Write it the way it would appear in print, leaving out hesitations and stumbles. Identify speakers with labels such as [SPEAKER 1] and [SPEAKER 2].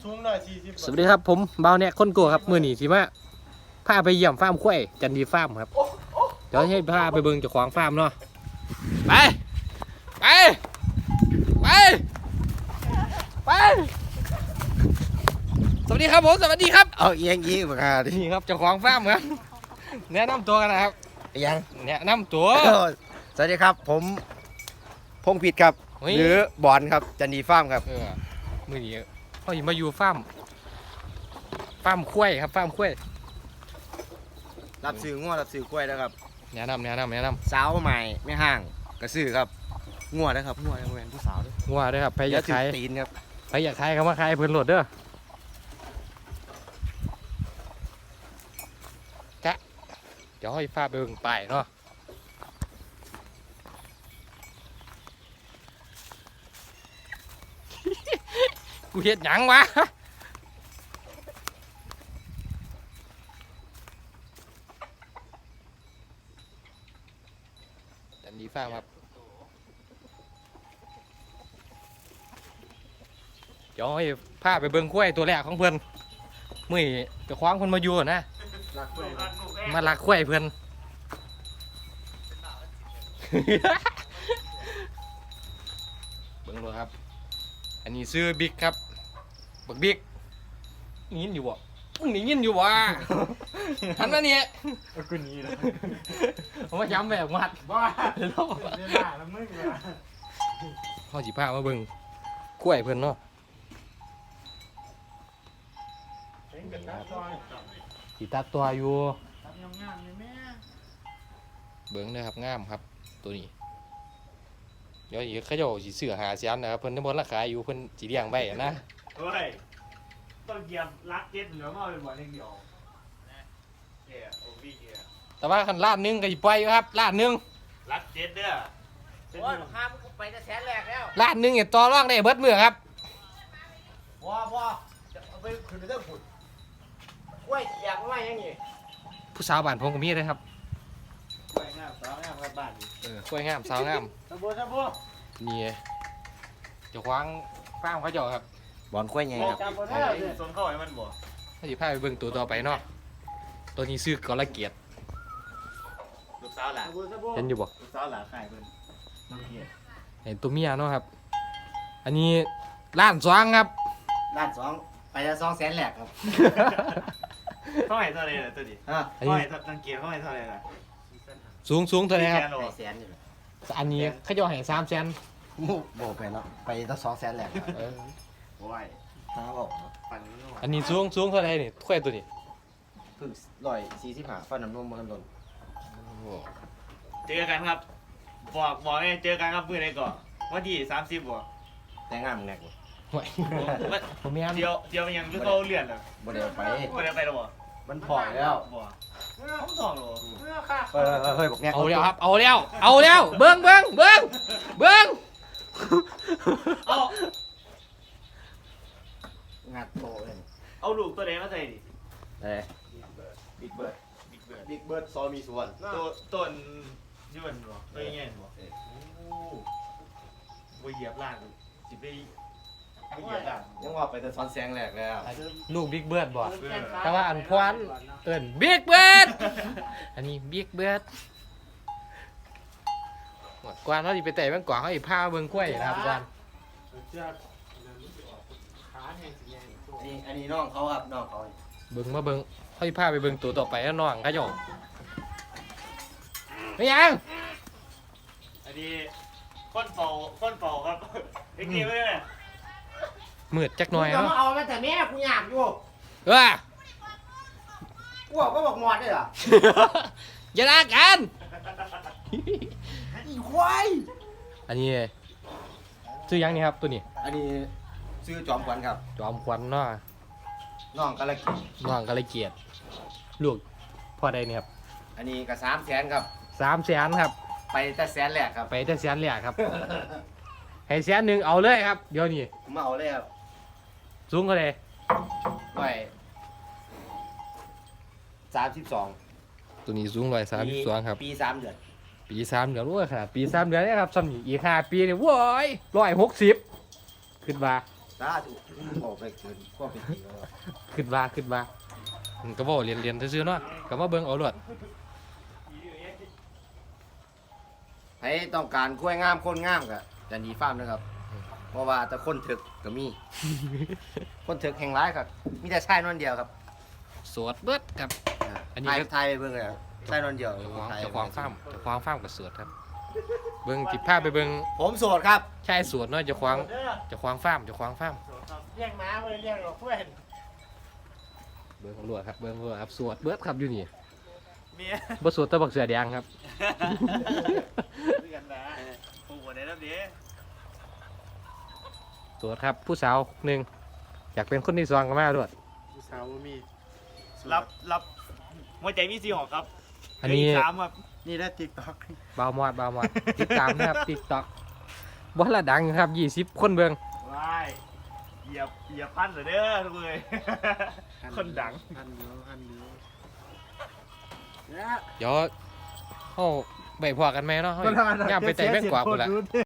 [SPEAKER 1] สูงหน่อย40
[SPEAKER 2] สวัสดีครับผมเบาเนี่ยคนโกครับมือหนีสิมาพาไปเยี่ยมฟาร์มควายจันดีฟาร์มครับเดี๋ยวให้พาไปเบิ่งเจ้าของฟาร์มเนาะไปไปไปไปสวัสดีครับผมสวัสดีครับ
[SPEAKER 3] เอาเอียงยี่มาดิ
[SPEAKER 2] นี่ครับเจ้าของฟาร์มครับแนะนำตัวกันนะครับ
[SPEAKER 3] ยัง
[SPEAKER 2] แนะนำตัว
[SPEAKER 3] สวัสดีครับผมพงษ์ผิดครับ
[SPEAKER 2] เฮ้ย
[SPEAKER 3] หรือบอลครับจันดีฟาร์มครับ
[SPEAKER 2] มือนี้เขาอยู่มาอยู่ฟาร์มควายครับฟาร์มควาย
[SPEAKER 3] รับซื้อง้วรับซื้อกล้วยนะครับ
[SPEAKER 2] แนะนำ
[SPEAKER 3] สาวใหม่ไม่ห่างกระซื้อครับง้วนะครับง้วยังเป็นผู้สาวด้วย
[SPEAKER 2] งัวด้วยครับไปอยาก
[SPEAKER 3] ถือ
[SPEAKER 2] ขาย
[SPEAKER 3] ตีนครับ
[SPEAKER 2] ใครอยากขายเขามาขายเพิ่นโหลดเด้อจ๊ะเดี๋ยวให้ฟ้าไปเบิ่งไปเนาะกูเฮ็ดหยังวะแต่ดีฟ้าครับเดี๋ยวให้พาไปเบิ่งกล้วยตัวแรกของเพิ่นมื้อนี้จะคว้างเพิ่นมาอยู่นะมาลักกล้วยเพิ่น เบิ่งดูครับอันนี้ซื้อบิ๊กครับบักบิ๊กยินอยู่บ่มึงนี่ยินอยู่บ่หันมาเนี่ย
[SPEAKER 1] กูนี้แล้ว
[SPEAKER 2] ผมมาย้ำแบบมัด
[SPEAKER 1] บ้าเดี๋ยวด่าแล้วมึงเลย
[SPEAKER 2] เขาสิพามาเบิ่งกล้วยเพิ่นเนาะ
[SPEAKER 1] เป็นกระตัดซอย
[SPEAKER 2] สิตัดตัวอยู่
[SPEAKER 1] ตัดงามๆเลยแม่
[SPEAKER 2] เบิ่งนะครับงามครับตัวนี้เดี๋ยวอีกเขาเจ้าสิซื้อหาเสียนนะครับเพิ่นทั้งหมดราคาอยู่เพิ่นสิเลี้ยงไว้นะ
[SPEAKER 1] เฮ้ยต้องเหยียบรักเจ็ดเหลือมาเป็นบ่อเล็กเดียวเกียร์โอ้พี่เกียร์
[SPEAKER 2] แต่ว่าคันล้านหนึงก็สิปล่อยอยู่ครับล้านหนึง
[SPEAKER 1] รักเจ็ดเด้อ
[SPEAKER 3] โอ้ยข้ามไปจะแสนแรกแล้ว
[SPEAKER 2] ล้านหนึงเนี่ยต่อรองได้เบิดมื้อครับ
[SPEAKER 3] ว้าจะเอาไปขึ้นไปเรื่องผุดกล้วยอยากไม่ยังไง
[SPEAKER 2] ผู้สาวบ้านผมก็มีเลยครับ
[SPEAKER 1] ไปงามสาวงามกับบ้าน
[SPEAKER 2] กล้วยงามสาวงาม
[SPEAKER 1] ตะบัวตะบัว
[SPEAKER 2] นี่เจ้าของฟาร์มเขาเจ้าครับ
[SPEAKER 3] บอลกล้วยไงครับ
[SPEAKER 1] จำบ่ได้เลยสนเข้าให้มันบ่
[SPEAKER 2] ถ้าสิพาไปเบิ่งตัวต่อไปเนาะตัวนี้ซื้อกอละเกียรติ
[SPEAKER 1] ลูกสาวหล่ะ
[SPEAKER 2] เห็นอยู่บ่
[SPEAKER 1] ลูกสาวหล่ะขายเพิ่นน้องเกียร์
[SPEAKER 2] เห็นตัวเมียเนาะครับ อันนี้ล้านสองครับ
[SPEAKER 3] ด้านสองไปจะ200,000แรกครับ
[SPEAKER 1] เท่าไหร่เท่าไหร่ล่ะตัวนี้
[SPEAKER 3] ฮะ
[SPEAKER 1] เท่าไหร่ตังเกียร์เท่าไหร่เท่าไหร่ล่ะ
[SPEAKER 2] สูงเท่าไหร่ครับ
[SPEAKER 1] 400,000โล
[SPEAKER 3] ไปแสนอยู่เลย
[SPEAKER 2] อันนี้เขาจะให้300,000
[SPEAKER 3] โบไปแล้วไปตั้ง200,000แรกครับ
[SPEAKER 1] โอ้ย
[SPEAKER 3] ท้าบอก
[SPEAKER 1] ปั่นมันหน่อย
[SPEAKER 2] อันนี้สูงเท่าไหร่นี่ถ้วยตัวนี้
[SPEAKER 3] เพิ่ง145ฟันน้ำนมมันหล่น
[SPEAKER 1] เจอกันครับบอกให้เจอกันครับมื้อไหนก่อนวันที่30บ่
[SPEAKER 3] แต่งงานมึงแรกบ่
[SPEAKER 2] ห่วยผมมีอัน
[SPEAKER 1] เที่ยวมันยังคือเขาเลื่อนอ่ะ
[SPEAKER 3] บ่ได้ไป
[SPEAKER 1] บ่ได้ไปหรอบ่
[SPEAKER 3] มันพอแล้ว
[SPEAKER 1] บ่เขาทองหรอ
[SPEAKER 3] เฮ้ยบอกแง่
[SPEAKER 2] เอาแล้วครับเอาแล้วเบิ้ง
[SPEAKER 1] เอา
[SPEAKER 3] งัดโตเลย
[SPEAKER 1] เอาลูกตัวไหนมาใส่ดิ
[SPEAKER 3] บิ๊กเบิร์ด
[SPEAKER 1] บิ๊กเบิร์ด
[SPEAKER 3] บิ๊กเบิร์ดซอมีส่วน
[SPEAKER 1] ต้นยืนบ่ตัวใหญ่บ่โอ้บ่เหยียบล่างสิไปบ่เหยียบล่าง
[SPEAKER 3] ยังว่าไปแต่ซ้อนแสงแรกแล้ว
[SPEAKER 2] ลูกบิ๊กเบิร์ดบ่
[SPEAKER 1] เพื่อ
[SPEAKER 2] แต่ว่าอันพวนเอิ้นบิ๊กเบิร์ดอันนี้บิ๊กเบิร์ดกวานเขาสิไปเตะแม่งกวางเขาสิพาเบิ่งกล้วยนะครับกวาน
[SPEAKER 3] อันนี้น้องเขาครับน้องเขา
[SPEAKER 2] เบิ่งมาเบิ่งเขาสิพาไปเบิ่งตัวต่อไปแล้วน้องเขาเจ้าไม่ยัง
[SPEAKER 1] อันนี้คนเฝ้าครับไอ้เกมไว้เลย
[SPEAKER 2] มืดจักหน่อย
[SPEAKER 3] จะ
[SPEAKER 2] เนาะ
[SPEAKER 3] มาเอามาแต่แม่กูอยากอยู่
[SPEAKER 2] เอ้อ
[SPEAKER 3] กูบอกหมอดได้เหรอ
[SPEAKER 2] อย่าลากัน
[SPEAKER 3] อีควาย
[SPEAKER 2] อันนี้ชื่อยังนี่ครับตัวนี้
[SPEAKER 3] อันนี้ซื้อจอมขวัญครับ
[SPEAKER 2] จอมขวัญเนาะ
[SPEAKER 3] น้องกะละกิ
[SPEAKER 2] น้องก็เลยเกียดลูกพ่อใดเนี่ยครับ
[SPEAKER 3] อันนี้ก็300,000ครับ
[SPEAKER 2] 300,000ครับ
[SPEAKER 3] ไปแต่แสนแรกครับ
[SPEAKER 2] ไปแต่แสนแรกครับ ให้แสนหนึ่งเอาเลยครับ เดี๋ยวนี้
[SPEAKER 3] ผมมาเอาเลยครับ
[SPEAKER 2] สูงก็เลย
[SPEAKER 3] ไว้32
[SPEAKER 2] ตัวนี้สูง132ครับ
[SPEAKER 3] ปี3 เดือน
[SPEAKER 2] ปี3 เดือนโอ้ยขนาดปี3 เดือนเนี่ยครับซ้ำนี่อีก5 ปีเนี่ยโว้ย160ขึ้นมา
[SPEAKER 3] ตาถูกออกไปเกินก็เป็นจริงแล้ว
[SPEAKER 2] ขึ้นว่าก็บ่เรียนซื่อๆเนาะก็มาเบิ่งเอาโลด
[SPEAKER 3] ให้ต้องการกล้วยงามคนงามก็จะหนีฟาร์มนะครับ เพราะว่าแต่คนถึกก็มี คนถึกแห่งร้ายครับมีแต่ชายนอนเดียวครับ
[SPEAKER 2] สวดเบิดครับ อันนี้
[SPEAKER 3] ไทยไปเบิ่งเลยครับชายนอนเดียว
[SPEAKER 2] เจ้าของ
[SPEAKER 3] ไทย
[SPEAKER 2] เจ้าของฟาร์มก็สวดครับ เบิ่งสิพาไปเบิ่ง
[SPEAKER 3] ผมโสดครับ
[SPEAKER 2] ชายสวดเนาะเจ้าของ
[SPEAKER 1] เด้อ
[SPEAKER 2] ฟาร์ม
[SPEAKER 1] เลี้ยงม้าไม่ได้เลี้ยงหรอกเพื่อน
[SPEAKER 2] เบิ่งรวดครับเบิ่งรวดครับสวดเบิดครับอยู่นี่
[SPEAKER 1] เมีย
[SPEAKER 2] บ่สวดแตะบักเสือแดงครับ
[SPEAKER 1] ด้วยกันนะปลูกอะไรแล้วเดี๋ยว
[SPEAKER 2] สวดครับผู้สาวหนึ่งอยากเป็นคนที่สองก็มาด้วย
[SPEAKER 1] ผู้สาวมีรับหัวใจมีสีหอกครับ
[SPEAKER 2] อันนี้
[SPEAKER 1] สามครับนี่ได้ติ๊กต็อก
[SPEAKER 2] เบามอดติดตามนะครับ TikTok บ่ละดังครับ20คนเบิ่ง
[SPEAKER 1] ว้ายเหยียบพันเหรอเด้อทุกเลยคนดัง
[SPEAKER 3] พันเดียว
[SPEAKER 2] เดี๋ยวเฮาไปพอกันไหมเนาะเฮาย่ามไปแต่แม่งกว่าพุ่นละ